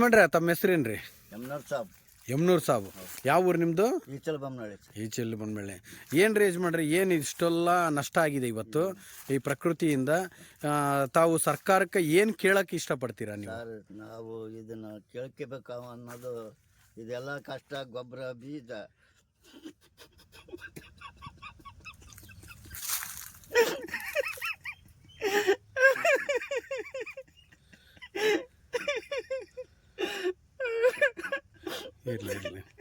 ಯಜಮಾನ್ರೆ ತಮ್ಮ ಹೆಸರೇನ್ರಿ? ಯಮನೂರ್ ಸಾಬ್. ಯಾವ ಊರು ನಿಮ್ಮದು? ಈಚಲ್ ಬಂದ್ಮೇಲೆ ಏನು ರೀ ಯಜಮಾನ್ರೆ, ಏನು ಇಷ್ಟೆಲ್ಲ ನಷ್ಟ ಆಗಿದೆ ಇವತ್ತು ಈ ಪ್ರಕೃತಿಯಿಂದ? ತಾವು ಸರ್ಕಾರಕ್ಕೆ ಏನು ಕೇಳಕ್ಕೆ ಇಷ್ಟಪಡ್ತೀರಾ ನೀವು? ನಾವು ಇದನ್ನು ಕೇಳ್ಕೋಬೇಕು ಅನ್ನೋದು, ಇದೆಲ್ಲ ಕಷ್ಟ, ಗೊಬ್ಬರ, ಬೀಜ ಇರಲಿ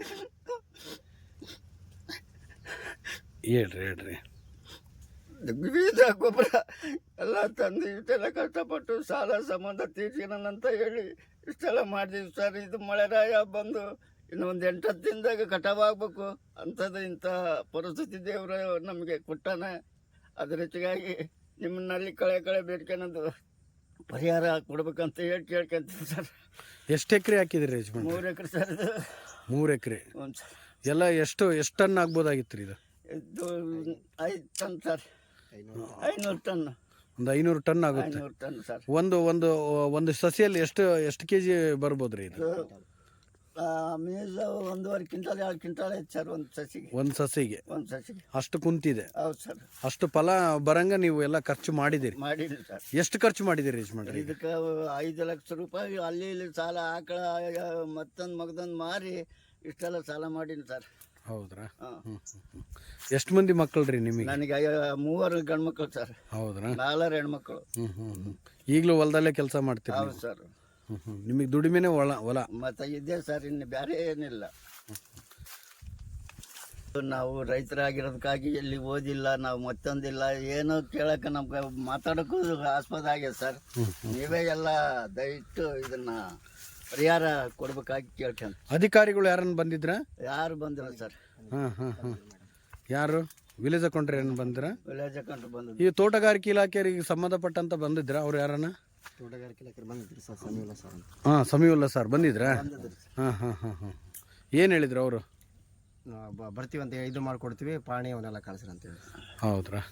ಹೇಳ್ರಿ. ಬೀಜ, ಗೊಬ್ಬರ ಎಲ್ಲ ತಂದು ಇಷ್ಟೆಲ್ಲ ಕಷ್ಟಪಟ್ಟು ಸಾಲ ಸಂಬಂಧ ತೀರ್ಸಿನಂತ ಹೇಳಿ ಇಷ್ಟೆಲ್ಲ ಮಾಡಿದೀವಿ ಸರ್. ಇದು ಮಳೆರಾಯ ಬಂದು ಇನ್ನೊಂದು 8-10 ದಿನದಾಗ ಕಟಾವಾಗಬೇಕು ಅಂಥದ್ದು ಇಂಥ ಪರಿಸ್ಥಿತಿ ದೇವರು ನಮಗೆ ಕೊಟ್ಟಾನೆ. ಅದ್ರ ಹೆಚ್ಚಿಗಾಗಿ ನಿಮ್ಮನ್ನಲ್ಲಿ ಕಳೆ ಬೇಡ್ಕೊಳೋದು ಪರಿಹಾರ ಕೊಡ್ಬೇಕಂತ ಹೇಳಿ ಕೇಳ್ಕೊಂತೀವಿ ಸರ್. ಎಷ್ಟು ಎಕರೆ ಹಾಕಿದ್ರಿ ಯಜಮಾನ್? 3 ಎಕರೆ ಸರ್. ಇದು 3 ಎಕರೆ. ಹ್ಞೂ ಸರ್. ಎಲ್ಲ ಎಷ್ಟು ಟನ್ ಆಗ್ಬೋದಾಗಿತ್ತು ರೀ ಇದು? ಇದು 5 ಟನ್ ಸರ್. 500 ಟನ್. ಒಂದು 500 ಟನ್ ಆಗುತ್ತೆ. 500 ಟನ್ ಸರ್. ಒಂದು ಸಸಿಯಲ್ಲಿ ಎಷ್ಟು ಕೆ ಜಿ ಬರ್ಬೋದು ರೀ ಇದು? ಮೇಜ 1.5 ಕ್ವಿಂಟಾಲ್ 2 ಕ್ವಿಂಟಾಲ್ ಐತೆ ಸರ್ ಒಂದು ಸಸಿಗೆ. ಅಷ್ಟು ಕುಂತಿದೆ. ಹೌದು ಸರ್. ಅಷ್ಟು ಫಲ ಬರಂಗ ನೀವು ಎಲ್ಲ ಖರ್ಚು ಮಾಡಿದಿರಿ? ಮಾಡಿದ್ರಿ ಸರ್. ಎಷ್ಟು ಖರ್ಚು ಮಾಡಿದಿರಿ ಯಜಮಾನ್ರೆ? ಇದಕ್ಕೆ 5 ಲಕ್ಷ ರೂಪಾಯಿ ಅಲ್ಲಿ ಇಲ್ಲಿ ಸಾಲ, ಆಕಳ ಮಗದೊಂದು ಮಾರಿ ಇಷ್ಟೆಲ್ಲ ಸಾಲ ಮಾಡೀನಿ ಸರ್. ಹೌದ್ರಾ? ಎಷ್ಟು ಮಂದಿ ಮಕ್ಕಳು ರೀ ನಿಮಗೆ? ನನಗೆ 3 ಗಂಡು ಮಕ್ಕಳು ಸರ್. ಹೌದ್ರಾ? 4 ಹೆಣ್ಮಕ್ಳು. ಈಗಲೂ ಹೊಲದಲ್ಲೇ ಕೆಲಸ ಮಾಡ್ತೀರಿ? ಹೌದು ಸರ್. ನಿಮಗೆ ದುಡಿಮೆನೆ ಹೊಲ ಮತ್ತೆ ಇದೆ ಸರ್, ಇನ್ನು ಬೇರೆ ಏನಿಲ್ಲ. ನಾವು ರೈತರಾಗಿರೋದಕ್ಕಾಗಿ ಎಲ್ಲಿ ಓದಿಲ್ಲ, ನಾವು ಮತ್ತೊಂದಿಲ್ಲ, ಏನೋ ಕೇಳಕ್ಕೆ ನಮ್ಗೆ ಮಾತಾಡೋಕ್ಕೂ ಆಸ್ಪದ ಆಗಿದೆ ಸರ್. ನೀವೇ ಎಲ್ಲ ದಯವಿಟ್ಟು ಇದನ್ನ ಪರಿಹಾರ ಕೊಡ್ಬೇಕಾಗಿ ಕೇಳ್ಕೊಂಡು. ಅಧಿಕಾರಿಗಳು ಯಾರನ್ನು ಬಂದಿದ್ರ? ಯಾರು ಬಂದಿಲ್ಲ ಸರ್. ಯಾರು ವಿಲೇಜ್ ಅಕೌಂಟ್ರಿ ಏನು ಬಂದಿರ? ವಿಲೇಜ್ ಅಕೌಂಟ್ ಬಂದ. ಈ ತೋಟಗಾರಿಕೆ ಇಲಾಖೆಗೆ ಸಂಬಂಧಪಟ್ಟಂತ ಬಂದಿದ್ರ? ಅವ್ರು ಯಾರನ್ನ? ತೋಟಗಾರಿಕೆ ಇಲಾಖೆ ಬಂದಿದ್ರು ಸರ್. ಸಮೀವುಲ್ಲಾ ಸರ್ ಅಂತ. ಸಮೀವುಲ್ಲಾ ಸರ್ ಬಂದಿದ್ರಾ? ಏನು ಹೇಳಿದ್ರು ಅವರು? ಬರ್ತೀವಿ ಅಂತ ಇದು ಮಾಡ್ಕೊಡ್ತೀವಿ, ಪಾಣಿ ಅವನ್ನೆಲ್ಲ ಕಳಿಸ್ರಿ ಅಂತ ಹೇಳಿ. ಹೌದ್ರಾ?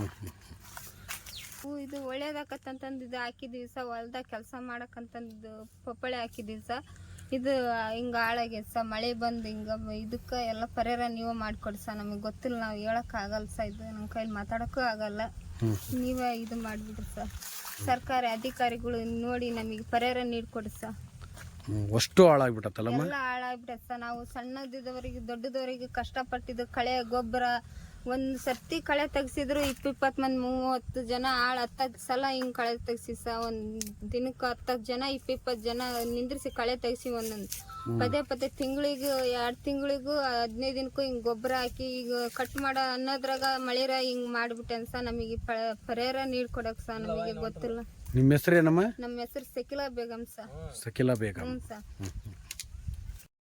ಇದು ಒಳ್ಳೇದಾಕತ್ತಂತಂದು ಇದು ಹಾಕಿದೀವಿ ಸರ್. ಹೊಲ್ದಾಗ ಕೆಲಸ ಮಾಡಕ್ಕಂತಂದು ಪಪ್ಪಳೆ ಹಾಕಿದೀವಿ ಸರ್. ಇದು ಹಿಂಗೆ ಹಾಳಾಗೈತೆ ಸರ್. ಮಳೆ ಬಂದು ಹಿಂಗೆ ಇದಕ್ಕೆ ಎಲ್ಲ ಪರಿಹಾರ ನೀವು ಮಾಡಿಕೊಡಿ ಸರ್. ನಮಗೆ ಗೊತ್ತಿಲ್ಲ, ನಾವು ಹೇಳೋಕ್ಕಾಗಲ್ಲ ಸರ್. ಇದು ನಮ್ಮ ಕೈಲಿ ಮಾತಾಡೋಕ್ಕೂ ಆಗಲ್ಲ. ನೀವೇ ಇದು ಮಾಡಿಬಿಡ್ರಿ ಸರ್. ಸರ್ಕಾರಿ ಅಧಿಕಾರಿಗಳು ನೋಡಿ ನಮಗೆ ಪರಿಹಾರ ನೀಡಿಕೊಡಿ ಸರ್. ಅಷ್ಟು ಹಾಳಾಗ್ಬಿಟ್ಟತ್ತಲ್ಲಮ್ಮ? ಎಲ್ಲ ಹಾಳಾಗ್ಬಿಟ್ಟೆ ಸರ್. ನಾವು ಸಣ್ಣದಿದ್ದವರಿಗೆ ದೊಡ್ಡದವರಿಗೆ ಕಷ್ಟಪಟ್ಟಿದ್ದು ಕಳೆ ಗೊಬ್ಬರ ಒಂದು ಸರ್ತಿ ಕಳೆ ತೆಗ್ಸಿದ್ರು 20 ಮಂದಿ 30 ಜನ 10 ಸಲ ಹಿಂಗೆ ಕಳೆ ತೆಗ್ಸಿ ಸರ್. ಒಂದು ದಿನಕ್ಕೆ 10 ಜನ 20 ಜನ ನಿಂದ್ರಿಸಿ ಕಳೆ ತೆಗ್ಸಿ ಒಂದೊಂದು ಪದೇ ತಿಂಗಳಿಗೆ 2 ತಿಂಗಳಿಗೂ 15 ದಿನಕ್ಕೂ ಹಿಂಗೆ ಗೊಬ್ಬರ ಹಾಕಿ ಈಗ ಕಟ್ ಮಾಡೋ ಅನ್ನೋದ್ರಾಗ ಮಳೆರ ಹಿಂಗೆ ಮಾಡಿಬಿಟ್ಟೆ ಸರ್. ನಮಗೆ ಪರಿಹಾರ ನೀಡ್ಕೊಡಕ್ಕೆ ಸರ್ ನಮಗೆ ಗೊತ್ತಿಲ್ಲ. ನಿಮ್ಮ ಹೆಸರೇನಮ್ಮ? ನಮ್ಮ ಹೆಸರು ಸಕಿಲಾ ಬೇಗಂ ಸರ್. ಸಕಿಲಾ ಬೇಗಂ. ಹ್ಞೂ ಸರ್.